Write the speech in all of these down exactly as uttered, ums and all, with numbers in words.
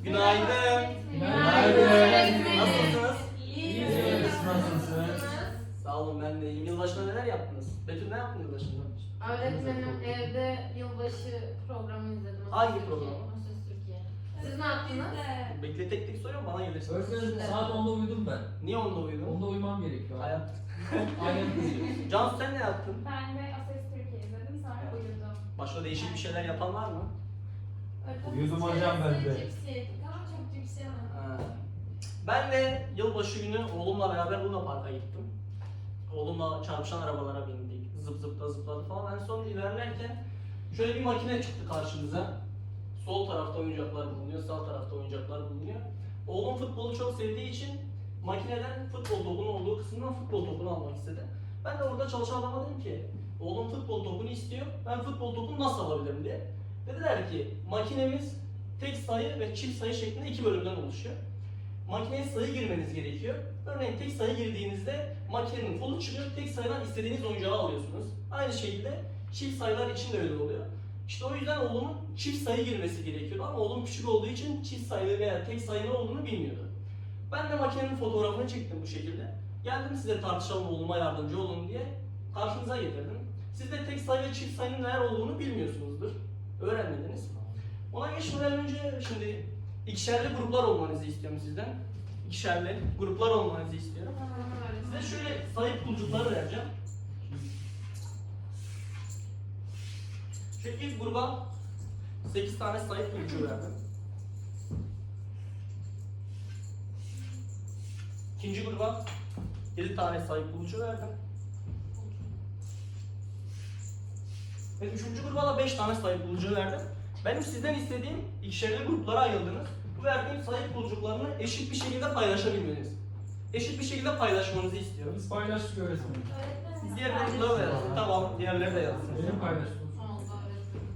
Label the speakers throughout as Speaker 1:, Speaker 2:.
Speaker 1: Günaydın.
Speaker 2: Günaydın.
Speaker 1: Nasılsınız?
Speaker 2: İyiyiz. Nasılsınız?
Speaker 1: Sağ olun, ben de iyiyim. Yılbaşında neler yaptınız? Betül ne yaptın yılbaşında?
Speaker 3: Öğretmenim evde yılbaşı programı izledim.
Speaker 1: Hangi
Speaker 3: Türkiye,
Speaker 1: program?
Speaker 3: Ses Türkiye. Siz ne yaptınız?
Speaker 1: Bekle, tek tek soruyorum, bana gelirsin.
Speaker 2: Öğretmenim saat onda uyudum ben.
Speaker 1: Niye onda uyudun?
Speaker 2: Onda uyumam gerekiyor.
Speaker 1: Hayat.
Speaker 2: Aynen uyuyor.
Speaker 1: Cansu sen ne yaptın?
Speaker 4: Ben de Ases Türkiye izledim, sonra uyudum.
Speaker 1: Başka değişik bir şeyler yapan var mı?
Speaker 5: Uyudum hocam ben de.
Speaker 4: Cips yedik ama çok cips yemedim.
Speaker 1: Ha. Ben de yılbaşı günü oğlumla beraber Luna Park'a gittim. Oğlumla çarpışan arabalara bindik. Zıp zıpla zıpladı falan. En son ilerlerken şöyle bir makine çıktı karşımıza. Sol tarafta oyuncaklar bulunuyor, sağ tarafta oyuncaklar bulunuyor. Oğlum futbolu çok sevdiği için makineden futbol topunun olduğu kısımdan futbol topunu almak istedi. Ben de orada çalışan adama dedim ki, oğlum futbol topunu istiyor, ben futbol topunu nasıl alabilirim diye. Dediler ki, makinemiz tek sayı ve çift sayı şeklinde iki bölümden oluşuyor. Makineye sayı girmeniz gerekiyor. Örneğin tek sayı girdiğinizde makinenin kolu çıkıyor, tek sayıdan istediğiniz oyuncağı alıyorsunuz. Aynı şekilde çift sayılar için de öyle oluyor. İşte o yüzden oğlumun çift sayı girmesi gerekiyordu ama oğlum küçük olduğu için çift sayı veya tek sayı ne olduğunu bilmiyordu. Ben de makinenin fotoğrafını çektim bu şekilde. Geldim size tartışalım, oğluma yardımcı olun diye karşınıza getirdim. Siz de tek sayı ve çift sayının neler olduğunu bilmiyorsunuzdur. Öğrenmediniz. Ona geçmeden önce şimdi ikişerli gruplar olmanızı istiyorum sizden. İkişerli gruplar olmanızı istiyorum. Size şöyle sayı pulcukları vereceğim. Şu ilk gruba sekiz tane sayı pulcuğu verdim. İkinci gruba yedi tane sayı pulcuğu verdim. Ve üçüncü gruba da beş tane sayı pulcuğu verdim. Benim sizden istediğim ikişerli gruplara ayrıldınız. Bu verdiğim sayı pulcuklarını eşit bir şekilde paylaşabilmeniz. Eşit bir şekilde paylaşmanızı istiyorum.
Speaker 2: Biz paylaştık öğretmenim.
Speaker 1: Siz diğer gruplara da yazın. Tamam, diğerleri de yazsın.
Speaker 2: Benim paylaştım.
Speaker 3: Oldu öğretmenim.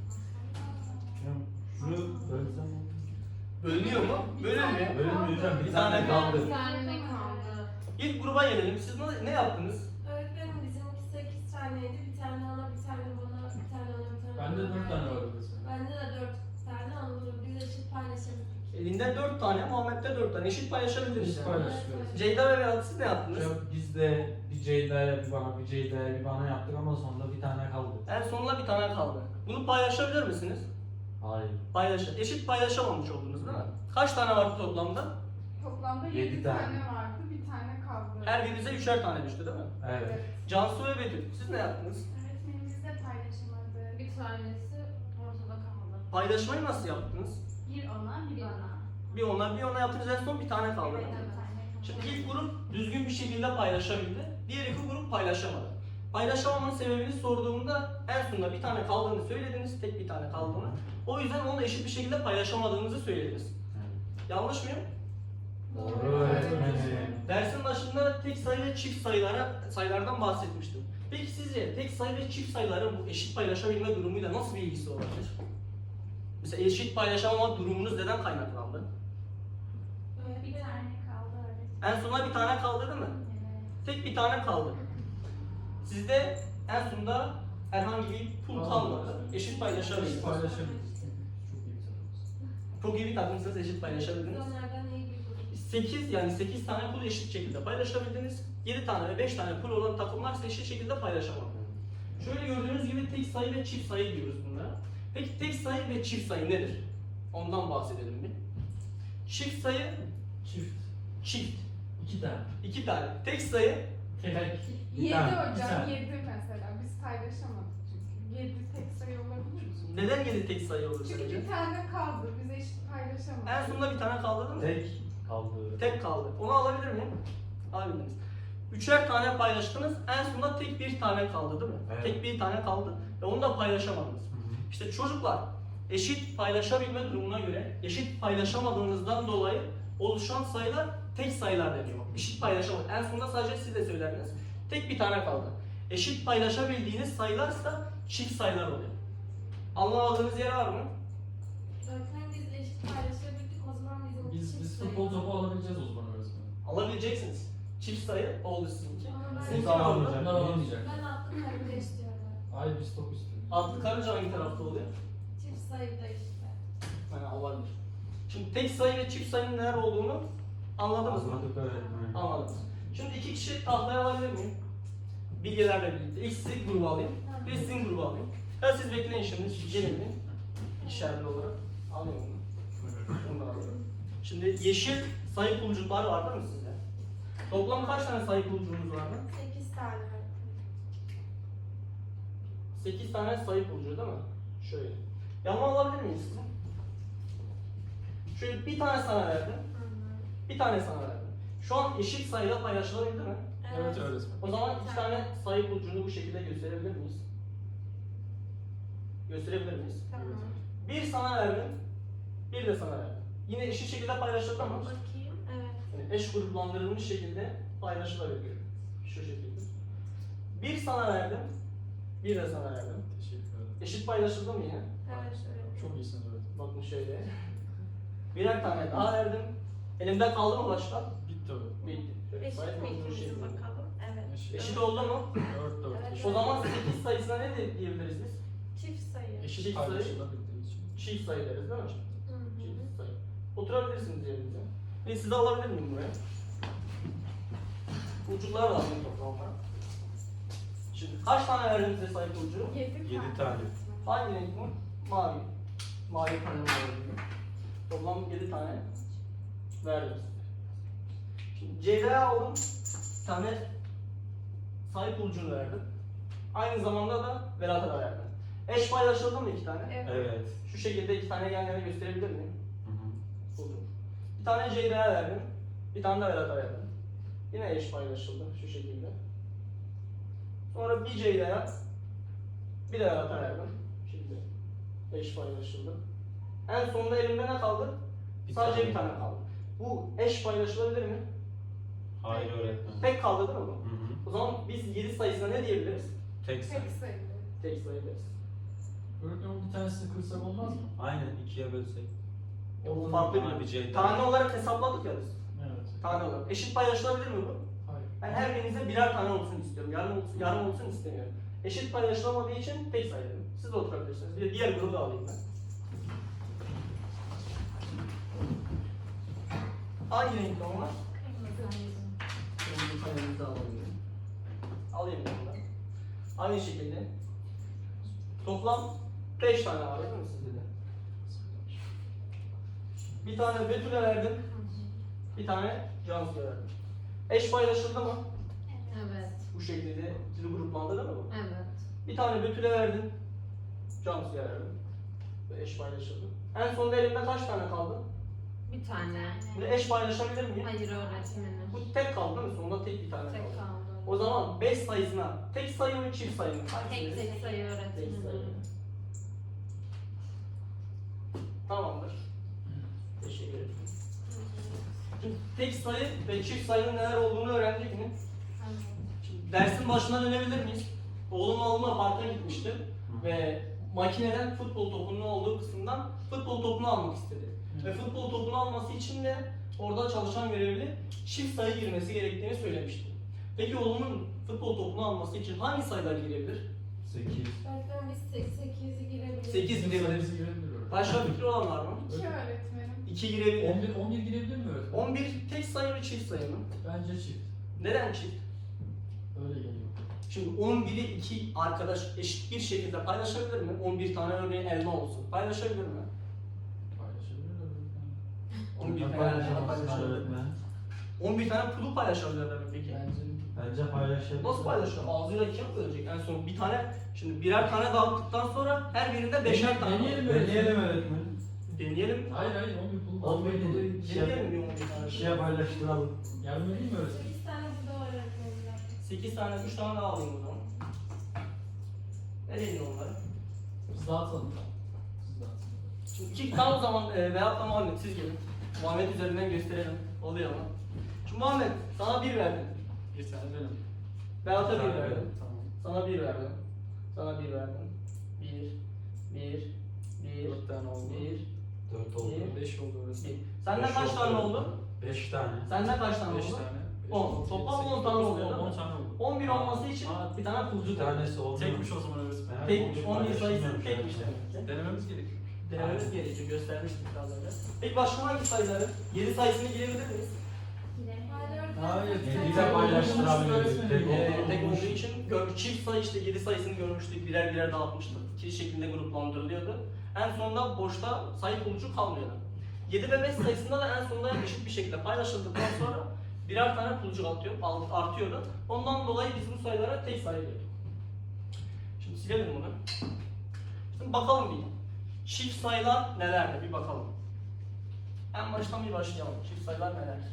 Speaker 5: Şunu bölsem.
Speaker 1: Bölünüyor mu? Bölünmüyor.
Speaker 5: Bölünmüyor hocam.
Speaker 1: Bir
Speaker 5: Bir
Speaker 1: tane
Speaker 5: tane
Speaker 1: kaldı.
Speaker 3: Bir tane ne kaldı?
Speaker 1: İlk gruba gelelim. Siz ne, ne yaptınız?
Speaker 4: Öğretmenim bizimki sekiz taneydi. Bir tane ona, bir tane bana, bir tane ona, bir tane
Speaker 2: Bende
Speaker 4: bana.
Speaker 2: dört tane var öğretmenim.
Speaker 4: Bende de dört tane oldu. Biz eşit paylaşabildik.
Speaker 1: Elinde dört tane, Muhammed'de dört tane. Eşit paylaşabildiniz
Speaker 2: Biz
Speaker 1: yani.
Speaker 2: paylaştık öğretmenim.
Speaker 1: Ceyda ve Berat siz ne yaptınız?
Speaker 5: Hocam biz de bir Ceyda'ya bir bana bir Ceyda'ya bir bana yaptık ama sonunda bir tane kaldı.
Speaker 1: En sonunda bir tane kaldı. Bunu paylaşabilir misiniz?
Speaker 5: Hayır.
Speaker 1: Paylaşın. Eşit paylaşamamış oldunuz değil mi? Kaç tane vardı toplamda?
Speaker 6: Toplamda
Speaker 5: Yedi
Speaker 6: yedi
Speaker 5: tane.
Speaker 6: tane vardı, bir tane kaldı.
Speaker 1: Her birinize üçer tane düştü değil mi?
Speaker 5: Evet.
Speaker 1: Cansu ve Betül siz ne yaptınız?
Speaker 4: Öğretmenimiz de paylaşamadı.
Speaker 3: Bir tanesi ortada kaldı.
Speaker 1: Paylaşmayı nasıl yaptınız?
Speaker 4: Bir ona, bir bana.
Speaker 1: Bir ona bir ona yaptınız, en son bir tane kaldı.
Speaker 4: Evet,
Speaker 1: değil mi?
Speaker 4: bir tane.
Speaker 1: Şimdi ilk grup düzgün bir şekilde paylaşabildi. Diğer iki grup paylaşamadı. Paylaşamamanın sebebini sorduğumda en sonunda bir tane kaldığını söylediniz, tek bir tane kaldığını. O yüzden onu eşit bir şekilde paylaşamadığınızı söylediniz. Yanlış mıyım?
Speaker 5: Doğru öğretmenim.
Speaker 1: Dersin başında tek sayı ve çift sayılara, sayılardan bahsetmiştim. Peki sizce tek sayı ve çift sayıların bu eşit paylaşabilme durumuyla nasıl bir ilgisi olabilir? Mesela eşit paylaşamama durumunuz neden kaynaklandı?
Speaker 4: Bir tane kaldı öğretmenim.
Speaker 1: En sonunda bir tane kaldı değil mi?
Speaker 4: Evet.
Speaker 1: Tek bir tane kaldı. Sizde en sonunda herhangi bir pul kalmadı. Eşit
Speaker 2: Biz
Speaker 1: paylaşabildiniz.
Speaker 2: paylaşabiliriz. Çok iyi bir takımız.
Speaker 1: Çok iyi bir takımsınız, eşit
Speaker 4: Biz
Speaker 1: paylaşabildiniz.
Speaker 4: onlardan iyi bir grup.
Speaker 1: sekiz yani sekiz tane pul eşit şekilde paylaşabildiniz. yedi tane ve beş tane pul olan takımlar ise eşit şekilde paylaşamadı. Şöyle gördüğünüz gibi tek sayı ve çift sayı diyoruz bunlara. Peki tek sayı ve çift sayı nedir? Ondan bahsedelim bir. Çift sayı,
Speaker 2: Çift.
Speaker 1: çift.
Speaker 2: İki tane.
Speaker 1: iki tane. Tek sayı,
Speaker 2: Tek.
Speaker 5: Bir
Speaker 6: Yedi
Speaker 5: tane,
Speaker 2: bir
Speaker 6: hocam,
Speaker 2: tane.
Speaker 6: yedi mesela. Biz paylaşamadık çünkü. Yedi tek sayı olabilir mi?
Speaker 1: neden yedi tek sayı olur
Speaker 6: Çünkü
Speaker 1: sence?
Speaker 6: bir tane kaldı, biz eşit paylaşamadık.
Speaker 1: En sonunda bir tane kaldı değil mi?
Speaker 5: Tek kaldı.
Speaker 1: Tek kaldı. Onu alabilir miyim? Alabildiniz. Üçer tane paylaştınız, en sonunda tek bir tane kaldı değil mi?
Speaker 5: Evet.
Speaker 1: Tek bir tane kaldı ve onu da paylaşamadınız.
Speaker 5: Hı hı.
Speaker 1: İşte çocuklar, eşit paylaşabilme durumuna göre, eşit paylaşamadığınızdan dolayı oluşan sayılar tek sayılar deniyor. Eşit paylaşamadı. En sonunda sadece siz de söylerdiniz. Tek bir tane kaldı. Eşit paylaşabildiğiniz sayılarsa çift sayılar oluyor. Anlamadığınız yer var mı?
Speaker 4: Öğretmenim biz eşit paylaşabildik. O zaman bizim
Speaker 2: Biz,
Speaker 4: çift
Speaker 2: biz
Speaker 4: sayı.
Speaker 2: futbol topu alabileceğiz o zaman öğretmenim.
Speaker 1: Alabileceksiniz. Çift sayı oldu sizinki.
Speaker 4: Ama ben-
Speaker 1: Sizinki
Speaker 5: Bunlar
Speaker 1: ne oldu?
Speaker 5: alamayacak.
Speaker 2: Bunlar alamayacak.
Speaker 4: Ben attım karınca istiyorum.
Speaker 2: Hayır biz top istiyoruz.
Speaker 1: Atlı karınca hangi tarafta oluyor?
Speaker 4: Çift sayıda işte.
Speaker 1: Yani olabilir. Şimdi tek sayı ve çift sayının neler olduğunu anladınız mı?
Speaker 5: Anladık öğretmenim.
Speaker 1: Anladınız. Şimdi iki kişi tahtaya alabilir miyim? Bilgilerle birlikte. İlk sizi gruba alayım, bir de sizin gruba alayım. Ya siz bekleyin şimdi, siz gelin bir. İkişerli olarak. Alayım bunu. Bunu da alıyorum. Şimdi yeşil sayı pulcukları var değil mi sizde? Toplam kaç tane sayı pulcuğunuz vardı?
Speaker 4: sekiz tane.
Speaker 1: sekiz tane sayı pulcuğu değil mi? Şöyle. Yanıma alabilir miyiz sizi? Şöyle bir tane sana verdim, bir tane sana verdim. Şu an eşit sayıda paylaşılabilir mi?
Speaker 2: Evet öğretmenim.
Speaker 1: O zaman iki tane sayı pulcuğunu bu şekilde gösterebilir miyiz? Gösterebilir miyiz?
Speaker 4: Tamam.
Speaker 1: Bir sana verdim, bir de sana verdim. Yine eşit şekilde paylaşılır ama
Speaker 4: Bakayım. Evet.
Speaker 1: yani eş gruplandırılmış şekilde paylaşılabilir. Şu şekilde. Bir sana verdim, bir de sana verdim.
Speaker 2: Teşekkür ederim.
Speaker 1: Eşit paylaşıldı mı yine?
Speaker 4: Evet. Evet.
Speaker 2: Çok iyisiniz öğretmenim.
Speaker 1: Bakın şöyle. Birer tane daha verdim. Elimde kaldı mı başka?
Speaker 2: Bitti öğretmenim.
Speaker 1: Bitti. Şöyle
Speaker 4: Eşit
Speaker 1: sayı
Speaker 4: miydi
Speaker 1: pulcuğu
Speaker 4: bizim
Speaker 1: şeklinde.
Speaker 4: bakalım? Evet.
Speaker 2: Eşit.
Speaker 1: Eşit oldu mu?
Speaker 2: Dört dört.
Speaker 4: Evet.
Speaker 1: O zaman sekiz sayısına ne de- diyebiliriz biz?
Speaker 4: Çift sayı.
Speaker 2: Eşit
Speaker 1: Çift sayı.
Speaker 2: paylaşılabildiği için.
Speaker 1: Çift sayı deriz değil mi?
Speaker 4: Hı hı.
Speaker 1: Çift sayı. Oturabilirsiniz yerinize. Ve sizi alabilir miyim buraya? Pulcuklar da alayım toplamda. Şimdi kaç tane verdim size sayı pulcuğu?
Speaker 6: Yedi,
Speaker 5: Yedi tane.
Speaker 1: Hangi renk mi? Mavi. Mavi tane verdim. Toplam yedi tane verdim size. Şimdi Ceyda'ya aldım. Bir tane sayı pulcuğunu verdim. Aynı zamanda da Berat'a da verdim. Eş paylaşıldı mı iki tane?
Speaker 4: Evet.
Speaker 5: Evet.
Speaker 1: Şu şekilde iki tane yan yana gösterebilir miyim?
Speaker 5: Hı hı.
Speaker 1: Buldum. Bir tane Ceyda'ya verdim. Bir tane de Berat'a verdim. Yine eş paylaşıldı şu şekilde. Sonra bir Ceyda'ya bir de Berat'a verdim. Şimdi eş paylaşıldı. En sonunda elimde ne kaldı?
Speaker 5: Bir
Speaker 1: Sadece
Speaker 5: tane.
Speaker 1: bir tane kaldı. Bu eş paylaşılabilir mi?
Speaker 5: Hayır öğretmenim.
Speaker 1: Tek kaldı değil mi bu?
Speaker 5: Hı hı.
Speaker 1: O zaman biz yedi sayısına ne diyebiliriz?
Speaker 5: Tek sayı.
Speaker 6: Tek sayı.
Speaker 1: Tek sayı deriz.
Speaker 2: Öğretmenim bir tanesini kırsak olmaz mı?
Speaker 5: Aynen ikiye bölsek.
Speaker 1: O farklı
Speaker 5: Bana
Speaker 1: bir
Speaker 5: bir Ceyda.
Speaker 1: Tane olarak hesapladık ya biz.
Speaker 2: Evet.
Speaker 1: Tane olarak. Eşit paylaşılabilir mi bu?
Speaker 2: Hayır.
Speaker 1: Ben her birinize birer tane olsun istiyorum. Yarım olsun, yarım olsun istemiyorum. Eşit paylaşılamadığı için tek sayı dedim. Siz de oturabilirsiniz. Bir de diğer grubu da alayım ben. Hangi renkli onlar? Kırmızı kalemimizi alayım. Alayım ben de. Aynı şekilde. Toplam beş tane var değil mi sizde de? Bir tane Betül'e verdim. Bir tane Cansu'ya verdim. Eş paylaşıldı mı?
Speaker 3: Evet.
Speaker 1: Bu şekilde ikili gruplandı değil mi bu?
Speaker 3: Evet.
Speaker 1: Bir tane Betül'e verdim. Cansu'ya verdim. Ve eş paylaşıldı. En sonunda elimde kaç tane kaldı?
Speaker 3: Bir tane.
Speaker 1: Bunu eş paylaşabilir miyim?
Speaker 3: Hayır öğretmenim.
Speaker 1: Bu tek kaldı değil mi? Sonunda tek bir tane
Speaker 3: Tek
Speaker 1: kaldı.
Speaker 3: kaldı.
Speaker 1: O zaman beş sayısına tek sayı mı çift sayı mı?
Speaker 3: Tek
Speaker 1: Hangisini?
Speaker 3: tek sayı
Speaker 1: Tek sayı.
Speaker 3: öğretmenim.
Speaker 1: Tamamdır. Teşekkür ederim. Şimdi tek sayı ve çift sayının neler olduğunu öğrendik mi? Şimdi dersin başına dönebilir miyiz? Oğlumla oğlumla parka gitmiştim ve makineden futbol topunun olduğu kısımdan futbol topunu almak istedi. Ve futbol topunu alması için de orada çalışan görevli çift sayı girmesi gerektiğini söylemişti. Peki oğlumun futbol topunu alması için hangi sayılar girebilir?
Speaker 5: Sekiz.
Speaker 4: Öğretmen biz sekizi girebiliriz.
Speaker 1: sekiz girebilir.
Speaker 2: Sayısı girebilir öğretmenim.
Speaker 1: Başka fikri olan var mı?
Speaker 6: İki öğretmenim.
Speaker 1: iki girebilir.
Speaker 2: on bir, on bir girebilir mi öğretmenim?
Speaker 1: on bir tek sayı mı çift sayı mı?
Speaker 2: Bence çift.
Speaker 1: Neden çift?
Speaker 2: Öyle geliyor.
Speaker 1: Şimdi on biri iki arkadaş eşit bir şekilde paylaşabilir mi? on bir tane örneğin elma olsun. Paylaşabilir mi?
Speaker 2: Paylaşabilir öğretmenim.
Speaker 1: on bir
Speaker 5: Bunlar
Speaker 1: tane elma
Speaker 5: paylaşamazsın
Speaker 1: paylaşabilir mi?
Speaker 5: öğretmen.
Speaker 1: on bir tane pulu paylaşabilirler mi peki?
Speaker 2: Bence
Speaker 5: Bence paylaşabilir.
Speaker 1: Nasıl paylaşıyor? Ağzıyla kim bölecek? En son bir tane, şimdi birer tane dağıttıktan sonra her birinde beşer tane.
Speaker 2: Deneyelim.
Speaker 5: Deneyelim öğretmen.
Speaker 1: Deneyelim.
Speaker 2: hayır hayır on bir pul
Speaker 5: On bir pulu
Speaker 1: Deneyelim
Speaker 5: ikiye,
Speaker 1: bir on bir tane.
Speaker 5: ikiye paylaştıralım.
Speaker 2: Gelmedi mi öğretmenim?
Speaker 4: sekiz tane burada var öğretmenler.
Speaker 1: sekiz tane, üç tane daha alayım o zaman. Nereye onları?
Speaker 2: Biz dağıtalım. Siz dağıtın.
Speaker 1: Şimdi iki tane o zaman e, Berat da Muhammed siz gelin. Muhammed üzerinden gösterelim. Oluyor ama. Şimdi Muhammed sana bir verdim.
Speaker 2: Bir tane benim.
Speaker 1: Berat'a
Speaker 5: Bir
Speaker 1: bir
Speaker 5: tane
Speaker 1: verdim.
Speaker 2: Tamam.
Speaker 1: Sana bir verdim. Sana bir verdim. Bir, bir, bir,
Speaker 2: Dört tane oldu.
Speaker 1: bir,
Speaker 5: Dört oldu.
Speaker 1: Bir.
Speaker 2: Beş oldu öğretmenim.
Speaker 1: bir. Sende
Speaker 5: Beş
Speaker 1: kaç tane oldu?
Speaker 5: Beş tane.
Speaker 1: Sende kaç tane
Speaker 2: Beş
Speaker 1: oldu?
Speaker 2: tane. beş,
Speaker 1: On.
Speaker 2: altı,
Speaker 1: Toplam
Speaker 2: yedi,
Speaker 1: on
Speaker 2: sekiz,
Speaker 1: tane
Speaker 2: dokuz,
Speaker 1: oluyor,
Speaker 2: on,
Speaker 1: değil mi?
Speaker 2: on tane oldu.
Speaker 1: on bir olması için
Speaker 2: Aa,
Speaker 1: bir tane
Speaker 5: Bir
Speaker 1: pulcuk
Speaker 5: tanesi oldu.
Speaker 2: Tekmiş o zaman öğretmenim.
Speaker 1: Tekmiş, on bir sayısı
Speaker 5: paylaşılmıyormuş
Speaker 1: tekmiş
Speaker 5: öğretmen.
Speaker 1: demek ki.
Speaker 2: Denememiz gerekiyor.
Speaker 1: denememiz gerekiyor. Göstermiştik biraz önce. Peki başka hangi sayıları? yedi sayısını girebilir miyiz?
Speaker 2: Hayır.
Speaker 5: Yediyle paylaştırabiliriz. Tek
Speaker 1: Ee,
Speaker 5: olduğu
Speaker 1: tek olduğu
Speaker 5: için.
Speaker 1: için gör, çift sayı işte yedi sayısını görmüştük. Birer birer dağıtmıştık. İki şeklinde gruplandırılıyordu. En sonunda boşta sayı bulucu kalmıyordu. yedi ve beş sayısında da en sonunda eşit bir şekilde paylaşıldıktan sonra birer tane bulucuk artıyor, artıyordu. Ondan dolayı biz bu sayılara tek sayı diyorduk. Şimdi silelim bunu. Şimdi bakalım bir. Çift sayılar nelerdir? Bir bakalım. En baştan bir başlayalım. Çift sayılar nelerdir?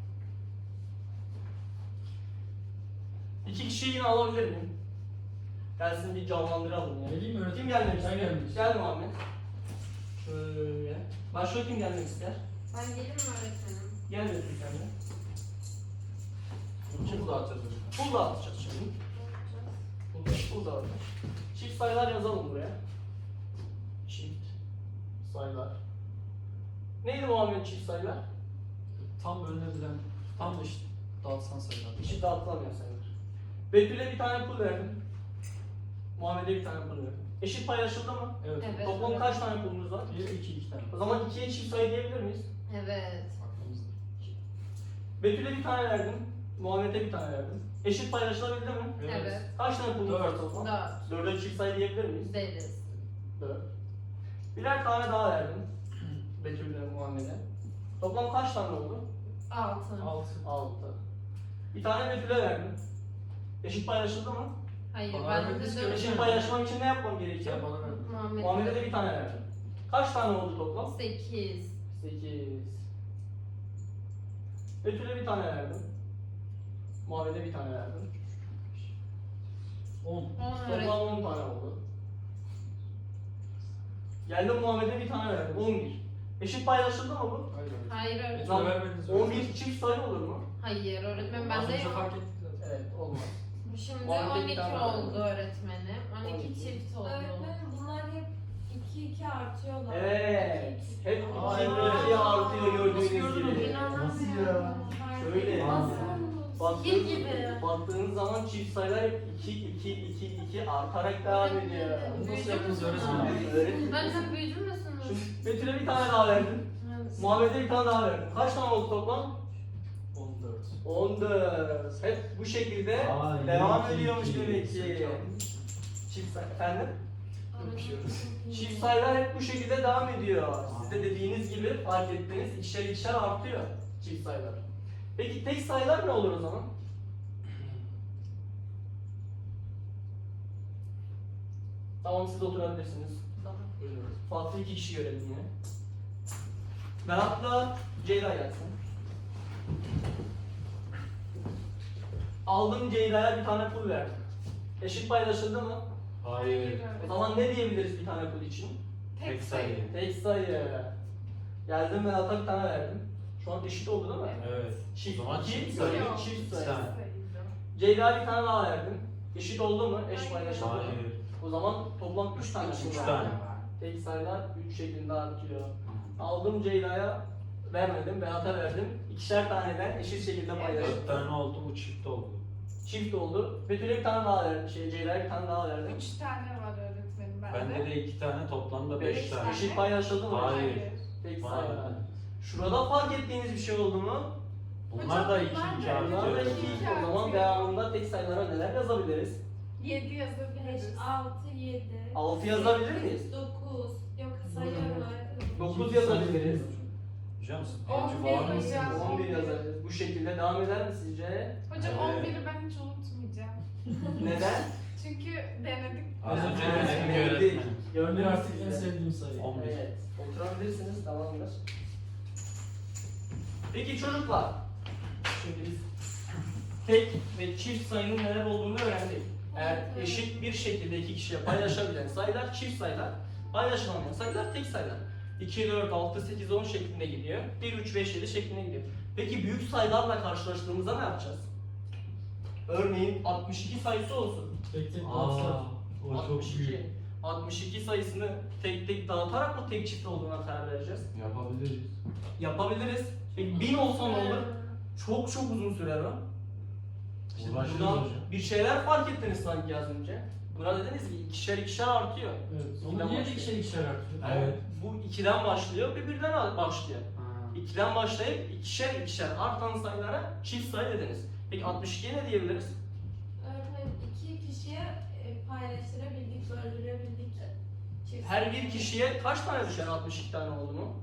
Speaker 1: İki kişiyi yine alabilir miyim? Gelsin bir canlandıralım ya.
Speaker 2: Geleyim mi öğretmenim?
Speaker 1: Kim gelmek
Speaker 2: Ben
Speaker 1: ister?
Speaker 2: gelmek istiyorum.
Speaker 1: Gel Muhammed. Şöyle. Başka kim gelmek ister?
Speaker 3: Ben gelir mi öğretmenim?
Speaker 1: Gel Betül sen de.
Speaker 5: Kim dağıtacağız hocam?
Speaker 1: Pul dağıtacağız şimdi. Pul, pul dağıtacağız. Çift sayılar yazalım buraya. Çift sayılar. Neydi Muhammed çift sayılar?
Speaker 2: Tam bölünebilen, tam da işte dağıtsan sayılar.
Speaker 1: Eşit dağıtılamıyor sayılar. Betül'e bir tane pul verdim. Muhammed'e bir tane pul verdim. Eşit paylaşıldı mı?
Speaker 2: Evet.
Speaker 3: Evet.
Speaker 1: Toplam kaç tane pulumuz var?
Speaker 2: Bir, iki, iki tane.
Speaker 1: O zaman ikiye çift sayı diyebilir miyiz?
Speaker 3: Evet.
Speaker 2: Aklımızda.
Speaker 1: Betül'e bir tane verdim. Muhammed'e bir tane verdim. Eşit paylaşılabildi mi?
Speaker 3: Evet.
Speaker 1: Kaç tane pulumuz var
Speaker 2: Dört.
Speaker 1: toplam?
Speaker 3: Dört.
Speaker 1: Dörde çift sayı diyebilir miyiz?
Speaker 3: Deriz.
Speaker 1: Dört. Birer tane daha verdim. Betül'e, Muhammed'e. Toplam kaç tane oldu?
Speaker 3: Altı.
Speaker 2: Altı.
Speaker 1: Altı. Bir tane Betül'e verdim. Eşit paylaşıldı mı?
Speaker 3: Hayır,
Speaker 2: Bana
Speaker 3: ben
Speaker 2: vermediniz
Speaker 3: de
Speaker 2: ki
Speaker 3: dört.
Speaker 1: Eşit paylaşmam için ne yapmam gerekiyor?
Speaker 2: Sen bana verdin.
Speaker 3: Muhammed'e
Speaker 1: Muhammed'e de
Speaker 3: de
Speaker 1: bir tane verdim. Kaç tane oldu toplam?
Speaker 3: sekiz.
Speaker 1: sekiz. Betül'e bir tane verdim. Muhammed'e bir tane verdim.
Speaker 2: On.
Speaker 3: On
Speaker 1: Toplam
Speaker 3: öğretmenim.
Speaker 1: on tane oldu. Geldim Muhammed'e bir tane verdim. on bir. Eşit paylaşıldı mı bu?
Speaker 2: Hayır.
Speaker 3: Hayır
Speaker 2: Betül'e
Speaker 3: öğretmenim.
Speaker 1: Zaman-
Speaker 2: vermediniz.
Speaker 1: on bir çift sayı olur mu?
Speaker 3: Hayır öğretmenim,
Speaker 2: Az
Speaker 3: ben de
Speaker 2: önce fark ettik zaten.
Speaker 1: Evet, olmaz.
Speaker 3: şimdi
Speaker 1: Muhammed'e
Speaker 3: on
Speaker 1: bir
Speaker 3: iki
Speaker 1: tane
Speaker 3: oldu
Speaker 1: verdim.
Speaker 3: öğretmenim. on
Speaker 1: on
Speaker 3: iki
Speaker 1: iki.
Speaker 3: çift oldu.
Speaker 4: Öğretmenim bunlar hep iki iki artıyorlar.
Speaker 1: Evet.
Speaker 4: İki, iki.
Speaker 1: Hep
Speaker 2: Aa,
Speaker 1: iki
Speaker 2: evet.
Speaker 1: ikiye artıyor gördüğünüz
Speaker 2: Nasıl gördün
Speaker 1: gibi.
Speaker 2: onu?
Speaker 5: Nasıl ya?
Speaker 1: Şöyle.
Speaker 4: Nasıl?
Speaker 1: Baktığınız,
Speaker 3: gibi.
Speaker 1: baktığınız zaman çift sayılar hep iki iki iki iki artarak devam ediyor.
Speaker 2: Bunu nasıl yaptınız öğretmenim?
Speaker 1: Öğretmenim.
Speaker 3: Ben çok büyüdüm müsünüz?
Speaker 1: Şimdi Betül'e bir tane daha verdim. Muhammed'e bir tane daha verdim. Kaç tane oldu toplam?
Speaker 2: On dört.
Speaker 1: on dört. Hep bu şekilde
Speaker 5: Aa,
Speaker 1: devam
Speaker 5: iki,
Speaker 1: ediyormuş
Speaker 5: iki.
Speaker 1: demek ki. Çift say- efendim?
Speaker 2: Öpüşüyoruz.
Speaker 1: Çift sayılar hep bu şekilde devam ediyor. Siz de dediğiniz gibi fark ettiniz ikişer ikişer artıyor çift sayılar. Peki tek sayılar ne olur o zaman? Tamam siz oturabilirsiniz.
Speaker 2: Buyurun.
Speaker 1: Farklı iki kişi görelim yine. Berat'la Ceyda gelsin. Aldım Ceyda'ya bir tane pul verdim. Eşit paylaşıldı mı?
Speaker 5: Hayır.
Speaker 1: O zaman ne diyebiliriz bir tane pul için?
Speaker 5: Tek sayı.
Speaker 1: Tek sayı. Geldim Berat'a bir tane verdim. Şu an eşit oldu değil mi?
Speaker 5: Evet.
Speaker 1: Çift,
Speaker 5: O zaman
Speaker 1: iki,
Speaker 5: çift
Speaker 1: iki,
Speaker 5: sayı.
Speaker 1: çift
Speaker 5: Bir
Speaker 1: sayı.
Speaker 5: tane.
Speaker 1: Ceyda'ya bir tane daha verdim. Eşit oldu mu? Eş
Speaker 6: Hayır.
Speaker 1: paylaşıldı mı?
Speaker 5: Hayır.
Speaker 1: O zaman toplam üç tane pul
Speaker 5: Üç
Speaker 1: var.
Speaker 5: tane.
Speaker 1: Tek sayılar üç şeklinde artıyor. Aldım Ceyda'ya vermedim, Berat'a verdim. İkişer taneden eşit şekilde
Speaker 5: Dört
Speaker 1: paylaştım.
Speaker 5: tane oldu, bu çift oldu.
Speaker 1: Çift oldu. Betül'e bir tane daha verdim. Şey, Ceyda'ya bir tane daha verdim.
Speaker 6: Üç tane var öğretmenim bende.
Speaker 5: Bende de iki tane, toplamda
Speaker 1: Beş
Speaker 5: beş tane.
Speaker 1: Eşit paylaşıldı mı?
Speaker 5: Hayır.
Speaker 1: Tek
Speaker 5: Hayır.
Speaker 1: sayılar. Şurada fark ettiğiniz bir şey oldu mu?
Speaker 5: Bunlar da iki
Speaker 6: Hocam,
Speaker 5: iki
Speaker 6: bunlar da
Speaker 1: Bunlar da
Speaker 5: artıyor.
Speaker 1: iki.
Speaker 6: iki
Speaker 1: O zaman
Speaker 6: artıyor.
Speaker 1: devamında tek sayılara neler yazabiliriz?
Speaker 6: Yedi
Speaker 4: beş,
Speaker 6: yazabiliriz.
Speaker 4: altı, yedi.
Speaker 1: altı yazabilir miyiz?
Speaker 4: dokuz. Yok sayıyorum.
Speaker 1: dokuz yazabiliriz.
Speaker 5: Hocam siz
Speaker 6: On
Speaker 5: birinci
Speaker 6: bir
Speaker 5: var
Speaker 6: hocam.
Speaker 5: mısınız?
Speaker 1: on bir yazabiliriz. Bu şekilde devam eder mi sizce?
Speaker 6: Hocam
Speaker 5: Evet.
Speaker 6: on biri ben hiç unutmayacağım.
Speaker 1: Neden?
Speaker 6: Çünkü denedik.
Speaker 5: Az önce
Speaker 1: Evet,
Speaker 5: denedim
Speaker 1: evet.
Speaker 5: öğretmenim.
Speaker 2: On bir
Speaker 1: Gördünüz
Speaker 2: artık en
Speaker 1: siz de.
Speaker 2: sevdiğim sayı.
Speaker 5: On bir.
Speaker 1: Evet, oturabilirsiniz, tamamdır. Peki çocuklar, şimdi biz tek ve çift sayının neler olduğunu öğrendik. Eğer eşit bir şekilde iki kişiye paylaşabilen sayılar çift sayılar, paylaşılamayan sayılar tek sayılar. iki, dört, altı, sekiz, on şeklinde gidiyor. bir, üç, beş, yedi şeklinde gidiyor. Peki büyük sayılarla karşılaştığımızda ne yapacağız? Örneğin altmış iki sayısı olsun.
Speaker 2: Tek tek
Speaker 5: Aa,
Speaker 2: dağıtsak.
Speaker 5: o çok
Speaker 1: altmış iki.
Speaker 5: büyük.
Speaker 1: altmış iki sayısını tek tek dağıtarak mı tek çift olduğuna karar vereceğiz?
Speaker 5: Yapabiliriz.
Speaker 1: Yapabiliriz. Peki bin olsa ne olur? Çok çok uzun sürer o. İşte
Speaker 5: Uğraşırız
Speaker 1: buradan
Speaker 5: hocam.
Speaker 1: bir şeyler fark ettiniz sanki az önce. Buna dediniz ki ikişer ikişer artıyor.
Speaker 2: Evet.
Speaker 1: İkiden
Speaker 2: Onu niye
Speaker 1: başlıyor.
Speaker 2: ikişer ikişer artıyor?
Speaker 5: Evet.
Speaker 1: Bu ikiden başlıyor, bir birden başlıyor.
Speaker 5: Ha.
Speaker 1: ikiden başlayıp ikişer ikişer artan sayılara çift sayı dediniz. Peki altmış ikiye ne diyebiliriz?
Speaker 4: Öğretmenim iki kişiye e, paylaştırabildik, böldürebildik. Çift.
Speaker 1: Her bir kişiye kaç tane düşer altmış iki tane oldu mu?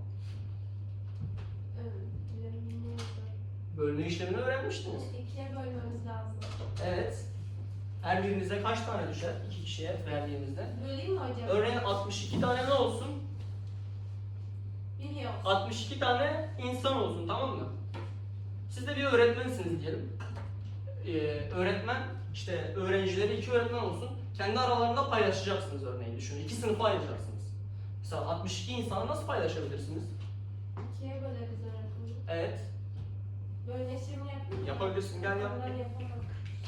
Speaker 4: Evet, bilmiyorum.
Speaker 1: Bölme işlemini öğrenmiştiniz.
Speaker 4: İkiye bölmemiz lazım.
Speaker 1: Evet. Her birinize kaç tane düşer? iki kişiye verdiğimizde.
Speaker 4: Böleyim mi hocam?
Speaker 1: Örneğin altmış iki tane ne olsun?
Speaker 4: Biliyor.
Speaker 1: altmış iki tane insan olsun, tamam mı? Siz de bir öğretmensiniz diyelim. Ee, öğretmen, işte öğrencileri iki öğretmen olsun. Kendi aralarında paylaşacaksınız örneğin düşünün. İki sınıfa ayıracaksınız. Mesela altmış iki insanı nasıl paylaşabilirsiniz?
Speaker 4: İkiye böleriz öğretmenim.
Speaker 1: Evet.
Speaker 4: Bölme işlemi yapayım mı?
Speaker 1: Yapabilirsin, gel yap.
Speaker 4: Ben yapamam.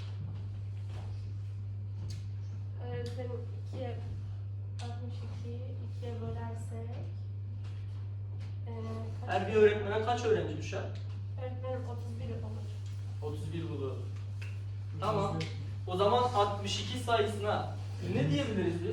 Speaker 4: Öğretmenim ikiye altmış ikiyi ikiye bölersek eee kaç?
Speaker 1: Her bir öğretmene kaç öğrenci düşer?
Speaker 4: Öğretmenim otuz bir olur.
Speaker 1: otuz bir bulur. Tamam. O zaman altmış iki sayısına ne diyebiliriz biz?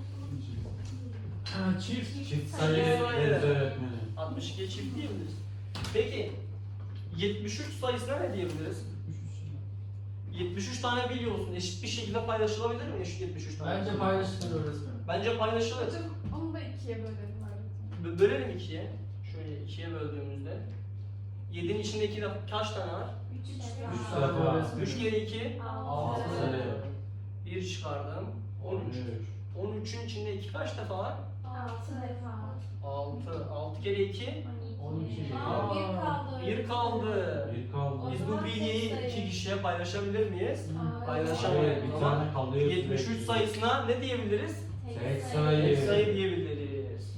Speaker 2: Ha, çift.
Speaker 5: Çift
Speaker 1: sayı
Speaker 5: sayı
Speaker 1: sayı.
Speaker 5: deriz öğretmenim.
Speaker 1: altmış ikiye çift diyebiliriz. Peki yetmiş üç sayısına ne diyebiliriz? yetmiş üç tane biliyorsun. Eşit bir şekilde paylaşılabilir mi eşit yetmiş üç tane?
Speaker 2: Bence paylaşılır öğretmenim.
Speaker 1: Bence paylaşılır.
Speaker 6: Hocam onu da ikiye bölelim öğretmenim.
Speaker 1: Bö- Bölelim ikiye. Şöyle ikiye böldüğümüzde. yedinin içindeki de kaç tane var?
Speaker 4: Üç
Speaker 5: Üç
Speaker 4: defa.
Speaker 5: defa.
Speaker 1: üç kere iki.
Speaker 5: Altı.
Speaker 4: Altı.
Speaker 1: bir çıkardım. on üç. on üçün içinde iki kaç defa var?
Speaker 4: Altı defa.
Speaker 1: altı. altı kere iki.
Speaker 2: on iki.
Speaker 4: Aa, bir kaldı.
Speaker 1: bir kaldı.
Speaker 5: Bir kaldı.
Speaker 1: Biz bu bilgiyi iki kişiye paylaşabilir miyiz?
Speaker 4: Aa,
Speaker 1: Paylaşamayız.
Speaker 5: Evet, bir
Speaker 1: O zaman
Speaker 5: tane kalıyor.
Speaker 1: yetmiş üç
Speaker 5: sürekli.
Speaker 1: sayısına ne diyebiliriz?
Speaker 5: Tek
Speaker 1: Tek
Speaker 5: sayı.
Speaker 1: sayı diyebiliriz.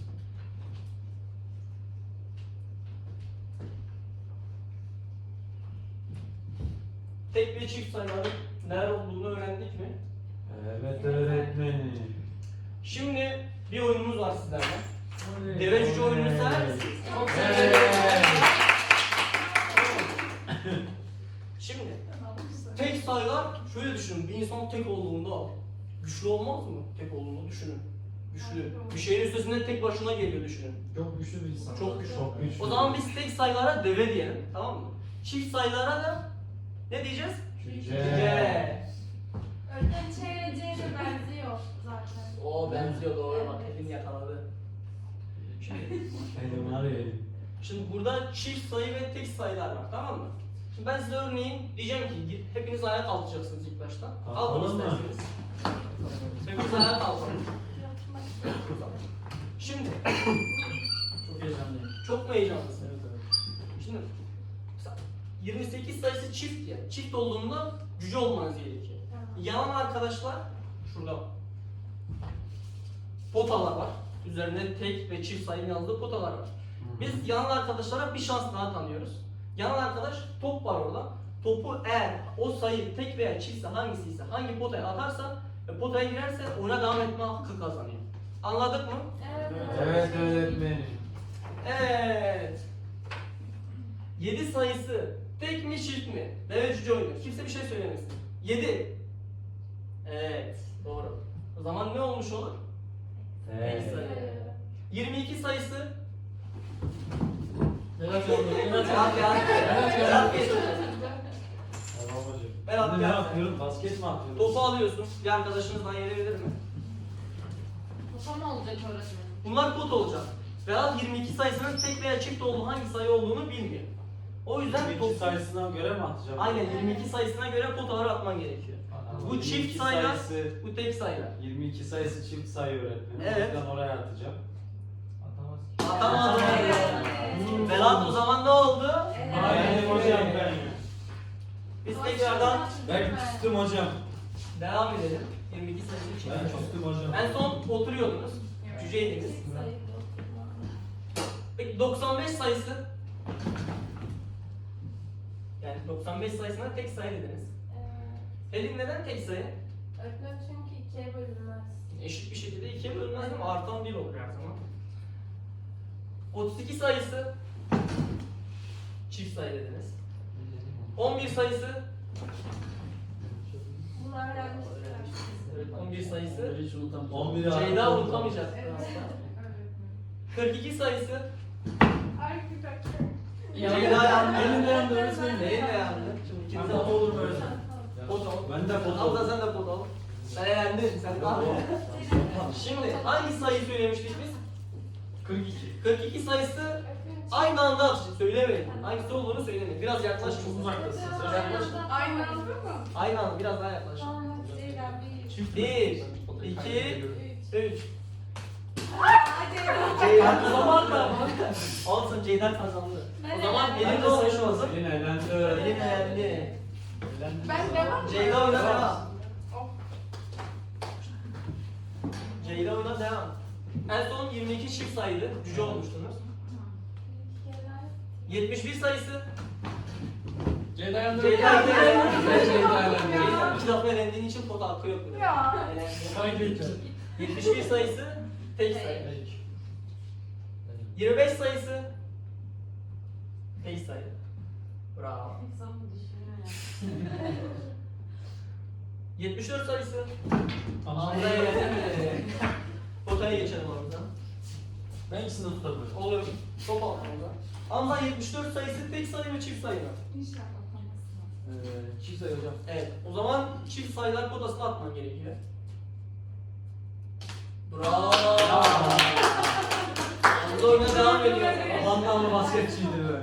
Speaker 1: Tek ve çift sayıların neler olduğunu öğrendik mi?
Speaker 5: Evet öğretmenim.
Speaker 1: Şimdi bir oyunumuz var sizlerle.
Speaker 2: Evet.
Speaker 1: Deve cüce oyununu
Speaker 5: Evet.
Speaker 1: sever misiniz?
Speaker 3: Çok
Speaker 5: Evet.
Speaker 3: severim.
Speaker 1: Şimdi
Speaker 6: Tamam, güzel.
Speaker 1: tek sayılar şöyle düşünün. Bir insan tek olduğunda güçlü olmaz mı? Tek olduğunu düşünün. Güçlü. Bir şeyin üstesinden tek başına geliyor düşünün.
Speaker 2: Çok güçlü bir insan.
Speaker 1: Çok güçlü.
Speaker 5: Çok güçlü.
Speaker 1: O zaman biz tek sayılara deve diyelim, tamam mı? Çift sayılara da ne diyeceğiz?
Speaker 5: Cüce.
Speaker 1: Cüce.
Speaker 4: Öğretmenim Ç ile C de benziyor zaten.
Speaker 1: O benziyor, doğru bak,
Speaker 4: Evet.
Speaker 1: elin yakaladı. Şimdi,
Speaker 5: Elim var ya elim.
Speaker 1: şimdi burada çift sayı ve tek sayılar var, tamam mı? Şimdi ben size örneğin diyeceğim ki hepiniz ayağa kalkacaksınız ilk başta. Kalkın
Speaker 5: Kalkalım mı?
Speaker 1: isterseniz. Hepiniz ayağa kalkın. Şimdi
Speaker 2: Çok heyecanlıyım.
Speaker 1: çok mu heyecanlısın?
Speaker 2: Evet evet.
Speaker 1: Şimdi mesela yirmi sekiz sayısı çift ya. Çift olduğunda cüce olmanız gerekiyor.
Speaker 4: Tamam.
Speaker 1: Yanan arkadaşlar şurada potalar var. Üzerinde tek ve çift sayının yazdığı potalar var. Biz yanan arkadaşlara bir şans daha tanıyoruz. Yanan arkadaş top var orada. Topu eğer o sayı tek veya çiftse hangisi ise hangi potaya atarsa ve potaya girerse ona devam etme hakkı kazanıyor. Anladık mı?
Speaker 4: Evet.
Speaker 5: Evet öğretmenim.
Speaker 1: Evet. yedi sayısı tek mi çift mi? Deve cüce oyunu. Kimse bir şey söylemesin. yedi. Evet, doğru. O zaman ne olmuş olur? Tek
Speaker 5: Evet.
Speaker 1: sayı. yirmi iki sayısı
Speaker 2: Berat yandı. Berat
Speaker 1: Berat
Speaker 2: yandı.
Speaker 1: geldi. Berat geçti.
Speaker 5: Tamam hocam.
Speaker 1: Berat
Speaker 5: Şimdi ne
Speaker 1: geldi.
Speaker 5: yapıyorum? Basket mi atıyorum?
Speaker 1: Topu alıyorsun. Bir arkadaşınızdan yenebilir mi?
Speaker 3: Kupa mı olacak öğretmenim?
Speaker 1: Bunlar pot olacak. Berat yirmi iki sayısının tek veya çift olduğu hangi sayı olduğunu bilmiyor. O yüzden
Speaker 5: yirmi iki
Speaker 1: top...
Speaker 5: sayısına göre mi atacağım?
Speaker 1: Aynen yirmi iki sayısına göre potaları atman gerekiyor.
Speaker 5: Ama
Speaker 1: Bu
Speaker 5: yirmi
Speaker 1: çift
Speaker 5: iki
Speaker 1: sayılar,
Speaker 5: sayısı,
Speaker 1: bu tek sayılar.
Speaker 5: yirmi iki sayısı çift sayı öğretmenim.
Speaker 1: Evet.
Speaker 5: O yüzden oraya atacağım. Atamaz.
Speaker 1: Atamadım.
Speaker 4: Evet.
Speaker 1: Berat o zaman ne oldu?
Speaker 5: Aynen hocam ben.
Speaker 1: Biz tekrardan
Speaker 5: Ben küstüm hocam.
Speaker 1: devam edelim. yirmi iki sayısı
Speaker 5: Ben
Speaker 1: çift.
Speaker 5: küstüm hocam.
Speaker 1: En son oturuyordunuz. Cüceydiniz. Peki doksan beş sayısı? Yani doksan beş sayısına tek sayı dediniz. Elin neden tek sayı?
Speaker 4: Öğretmenim çünkü ikiye bölünmez.
Speaker 1: Eşit bir şekilde ikiye bölünmez ama artan bir olur her zaman. otuz iki sayısı çift sayı dediniz. on bir sayısı
Speaker 4: Bunu öğrenmiştik.
Speaker 1: Evet, on bir sayısı.
Speaker 2: Hiç unutamayacağım.
Speaker 5: on bir
Speaker 1: Ceyda unutamayacak.
Speaker 6: Evet.
Speaker 1: aslında.
Speaker 6: Öğretmenim.
Speaker 1: kırk iki sayısı.
Speaker 6: Ay bir dakika.
Speaker 1: Ceyda yandı.
Speaker 2: Elinde yandı öğretmenim.
Speaker 1: Neyin de yandı? Şimdi ikiniz de
Speaker 2: Ama olur mu öyle?
Speaker 1: pot al.
Speaker 5: Ben de pot
Speaker 1: Hamza
Speaker 5: aldım.
Speaker 1: sen de pot al. Ben yendin. Sen de al. Şimdi hangi sayıyı söylemiştik biz?
Speaker 2: kırk iki.
Speaker 1: kırk iki sayısı aynı anda atacağız. Söylemeyin. Hangisi olduğunu söylemeyin. Biraz yaklaşın.
Speaker 2: Çok uzaktasın sen.
Speaker 1: Yaklaş.
Speaker 6: Aynı anda mı?
Speaker 1: Aynı anda biraz daha yaklaş.
Speaker 4: Tamam hadi Ceyda bir.
Speaker 2: Çift.
Speaker 1: Bir, iki, üç.
Speaker 4: Hadi.
Speaker 1: Ceyda o zaman da olsun Ceyda kazandı.
Speaker 4: Ben
Speaker 1: O zaman
Speaker 4: elendim.
Speaker 1: benim de olmuş olsun.
Speaker 5: Elin elendi.
Speaker 1: Elin elendi.
Speaker 6: Ben devam mı?
Speaker 1: Ceyda oyna devam.
Speaker 6: Of.
Speaker 1: Ceyda oyna devam. En son yirmi iki çift sayıydı. Cüce olmuştunuz. yetmiş bir sayısı.
Speaker 2: Ceyda yandı.
Speaker 1: Ceyda
Speaker 2: öğretmenim.
Speaker 1: elendi.
Speaker 2: Ceyda elendi.
Speaker 1: Ceyda iki defa elendiğin için pot hakkı yok. bile.
Speaker 6: Ya.
Speaker 1: Elendi.
Speaker 2: Kaybettim.
Speaker 1: yetmiş bir sayısı tek sayı. yirmi beş sayısı tek sayı. Bravo.
Speaker 3: İnsan mı düşünüyor ya?
Speaker 1: yetmiş dört sayısı
Speaker 2: Tamam.
Speaker 1: Hamza'ya elendi. Potaya geçelim Hamza.
Speaker 2: Ben ikisini de tutabilirim.
Speaker 1: Olur. Top al Hamza. Hamza yetmiş dört sayısı tek sayı mı çift sayı mı?
Speaker 6: İnşallah tamam.
Speaker 2: Ee, çift sayı hocam.
Speaker 1: Evet. O zaman çift sayılar potasına atman gerekiyor. Bravo. Hamza oyuna devam ediyor.
Speaker 5: Amanlı basketçiydi be.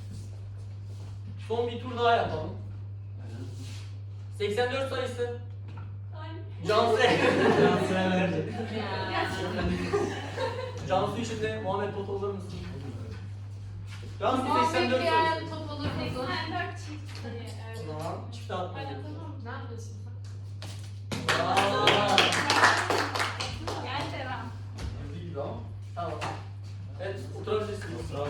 Speaker 1: Son bir tur daha yapalım. seksen dört sayısı Cansu.
Speaker 5: Cansu elendi.
Speaker 1: Cansu için de Muhammed Pot olur musun? Cansu seksen
Speaker 3: Muhabbet
Speaker 1: dört
Speaker 3: diğer
Speaker 1: sayısı.
Speaker 3: top olur mu?
Speaker 6: seksen dört çift sayı. Evet.
Speaker 1: O zaman çifte atman
Speaker 6: Hadi
Speaker 1: gerekiyor.
Speaker 6: tamam.
Speaker 3: Ne yapıyorsun sen?
Speaker 1: Bravo.
Speaker 6: Gel devam.
Speaker 2: Evli gibi ama.
Speaker 1: Tamam. Evet, oturabilirsiniz.
Speaker 2: Bravo.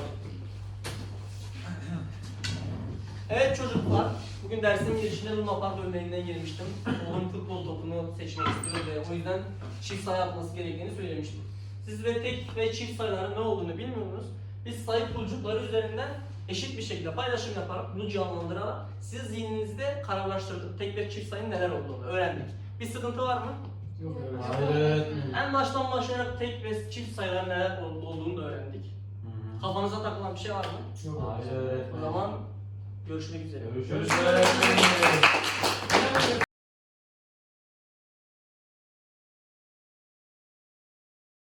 Speaker 1: Evet çocuklar, bugün dersin girişinde Luna Park örneğinden girmiştim. Oğlum futbol topunu seçmek istiyor ve o yüzden çift sayı atması gerektiğini söylemiştim. Siz ve tek ve çift sayıların ne olduğunu bilmiyorsunuz. Biz sayı pulcukları üzerinden eşit bir şekilde paylaşım yaparak, bunu canlandırarak siz zihninizde kararlaştırdık. Tek ve çift sayının neler olduğunu öğrendik. Bir sıkıntı var mı?
Speaker 2: Yok öyle.
Speaker 5: Hayır.
Speaker 1: En baştan başlayarak tek ve çift sayıların neler ol- olduğunu da öğrendik. Kafanıza takılan bir şey var mı?
Speaker 2: Yok.
Speaker 5: Hayır.
Speaker 1: O zaman görüşmek üzere.
Speaker 5: Görüşürüz.
Speaker 2: Görüşürüz.